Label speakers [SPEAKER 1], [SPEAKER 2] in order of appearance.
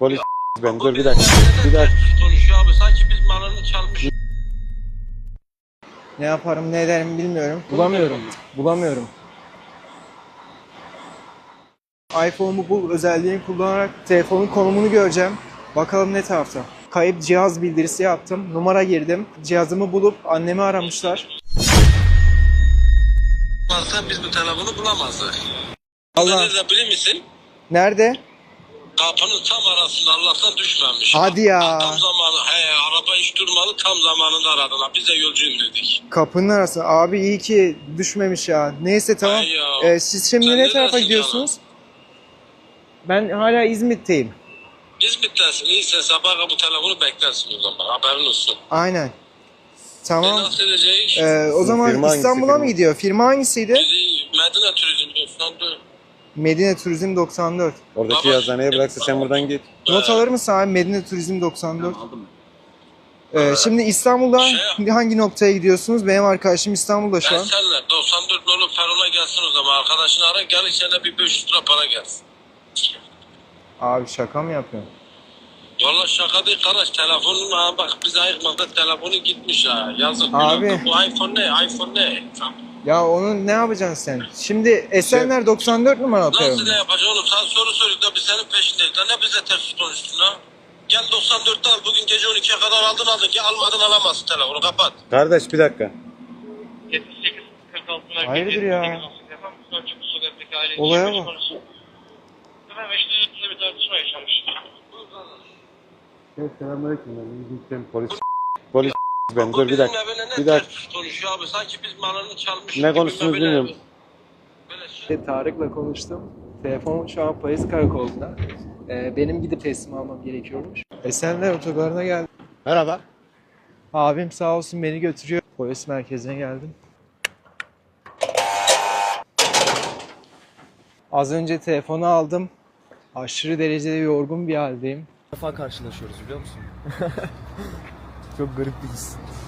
[SPEAKER 1] Polis ben dur bir dakika. Bir dakika.
[SPEAKER 2] Konuşuyor abi sanki biz malını çalmış.
[SPEAKER 3] Ne yaparım ne ederim bilmiyorum. Bulamıyorum. iPhone'umu bul özelliğini kullanarak telefonun konumunu göreceğim. Bakalım ne tarafta. Kayıp cihaz bildirisi yaptım. Numara girdim. Cihazımı bulup annemi aramışlar.
[SPEAKER 2] Varsa biz bu telefonu bulamazdık.
[SPEAKER 3] Allah.
[SPEAKER 2] Nerede bilir misin?
[SPEAKER 3] Nerede?
[SPEAKER 2] Kapının tam arasında Allah'tan düşmemiş.
[SPEAKER 3] Hadi ya.
[SPEAKER 2] Tam zamanı. Araba hiç durmadı tam zamanında aradılar. Biz de yolcuyum dedik.
[SPEAKER 3] Kapının arası. Abi iyi ki düşmemiş ya. Neyse tamam.
[SPEAKER 2] Ay ya.
[SPEAKER 3] Siz şimdi
[SPEAKER 2] Sen
[SPEAKER 3] ne
[SPEAKER 2] ne
[SPEAKER 3] tarafa
[SPEAKER 2] dersin
[SPEAKER 3] gidiyorsunuz? Ben hala İzmit'teyim.
[SPEAKER 2] İzmit'tesin. İyiyse sabah bu telefonu beklersin o zaman. Haberin olsun.
[SPEAKER 3] Aynen. Tamam.
[SPEAKER 2] Nasıl edeceğiz?
[SPEAKER 3] O zaman
[SPEAKER 1] Firma hangisi,
[SPEAKER 3] İstanbul'a mı
[SPEAKER 1] firma?
[SPEAKER 3] gidiyor? Firma hangisiydi?
[SPEAKER 2] Medine Turizm Dostan'dı.
[SPEAKER 3] Medine Turizm 94.
[SPEAKER 1] Oradaki
[SPEAKER 2] Baba,
[SPEAKER 1] yazıhaneye bıraksa sen buradan git.
[SPEAKER 3] Not alır mısın abi? Medine Turizm 94. Şimdi İstanbul'da hangi noktaya gidiyorsunuz? Benim arkadaşım İstanbul'da şu an.
[SPEAKER 2] Esenler 94 nolu Ferun'a gelsin o zaman. Arkadaşını ara gel içeride bir 500 lira para gelsin.
[SPEAKER 3] Abi şaka mı yapıyorsun?
[SPEAKER 2] Valla şaka değil kardeş telefonun ha bak biz ayıkmadık telefonu gitmiş ha yazık.
[SPEAKER 3] Abi.
[SPEAKER 2] Bu iPhone ne? iPhone ne?
[SPEAKER 3] Ya onu ne yapacaksın sen? Şimdi Esenler 94 numara
[SPEAKER 2] Nasıl
[SPEAKER 3] atıyorum.
[SPEAKER 2] ne yapacaksın oğlum? Sen soru soruyorsun da biz senin peşindeyiz. Lan ne bize ters konuştun ha? Gel 94'te al bugün gece 12'ye kadar aldın ki almadın alamazsın telefonu kapat.
[SPEAKER 1] Kardeş bir dakika.
[SPEAKER 4] 78 46'lar.
[SPEAKER 3] Hayırdır ya? Olaya bak.
[SPEAKER 4] Hemen Beşiktaş'ta bir tartışma yaşamış.
[SPEAKER 1] Evet selamünaleyküm. Polis ben dur bir dakika. Bir dakika.
[SPEAKER 2] Konuşuyor abi sanki biz malını çalmış.
[SPEAKER 1] Ne konuştunuz bilmiyorum.
[SPEAKER 3] Tarık'la konuştum. Telefon şu an polis karakolunda. Benim gidip teslim almam gerekiyormuş. Esenler otogarına geldim.
[SPEAKER 1] Merhaba.
[SPEAKER 3] Abim sağ olsun beni götürüyor. Polis merkezine geldim. Az önce telefonu aldım. Aşırı derecede yorgun bir haldeyim.
[SPEAKER 5] İlk defa karşılaşıyoruz biliyor musun? Çok garip bir his.